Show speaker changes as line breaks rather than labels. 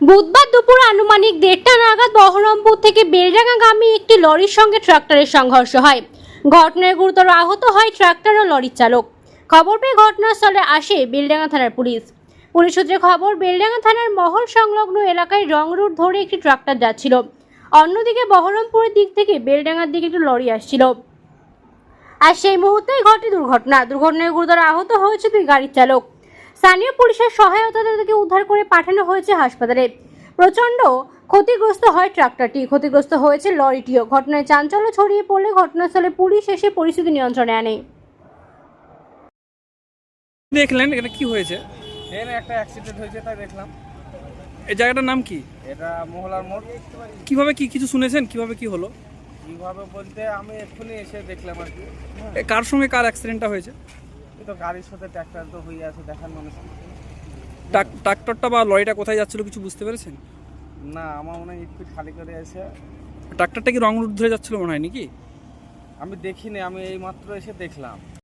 বুধবার দুপুর আনুমানিক 1:30টা নাগাদ বহরমপুর থেকে বেলডাঙ্গাগামী একটি লরির সঙ্গে ট্রাক্টরের সংঘর্ষ হয়। ঘটনায় গুরুতর আহত হয় ট্রাক্টর ও লরির চালক। খবর পেয়ে ঘটনাস্থলে আসে বেলডাঙ্গা থানার পুলিশ। পুলিশ সূত্রে খবর, বেলডাঙ্গা থানার মহল সংলগ্ন এলাকায় রং রুট ধরে একটি ট্রাক্টর যাচ্ছিল। অন্যদিকে বহরমপুরের দিক থেকে বেলডাঙ্গার দিকে একটি লরি আসছিল। আর সেই মুহূর্তেই ঘটে দুর্ঘটনায় গুরুতর আহত হয়েছে দুই গাড়ির চালক। স্থানীয় পুলিশের সহায়তায় তাদেরকে উদ্ধার করে পাঠানো হয়েছে হাসপাতালে। প্রচণ্ড ক্ষতিগ্রস্ত হয় ট্রাক্টরটি, ক্ষতিগ্রস্ত হয়েছে লরিটিও। ঘটনায় চাঞ্চল্য ছড়িয়ে পড়লে ঘটনাস্থলে পুলিশ এসে পরিস্থিতি নিয়ন্ত্রণে আনে।
দেখলেন এটা কি হয়েছে?
ট্রেনে একটা অ্যাক্সিডেন্ট হয়েছে, তাই দেখলাম।
এই জায়গাটার নাম কি?
এটা মোহলার মোড়।
কিভাবে কি কিছু শুনেছেন? কিভাবে কি হলো?
কিভাবে বলতে আমি এক্ষুনি এসে দেখলাম আর কি।
কার সঙ্গে কার অ্যাক্সিডেন্টটা হয়েছে?
এই তো গাড়ির সাথে ট্র্যাক্টর তো হয়ে আছে, দেখার মানুষ।
ট্রাক্টরটা বা লরিটা কোথায় যাচ্ছিল কিছু বুঝতে পেরেছেন?
না, আমার মনে হয় স্পিড খালি করে এসে।
ট্রাক্টরটা কি রং রুট ধরে যাচ্ছিল মনে হয় নাকি?
আমি দেখিনি, আমি এই মাত্র এসে দেখলাম।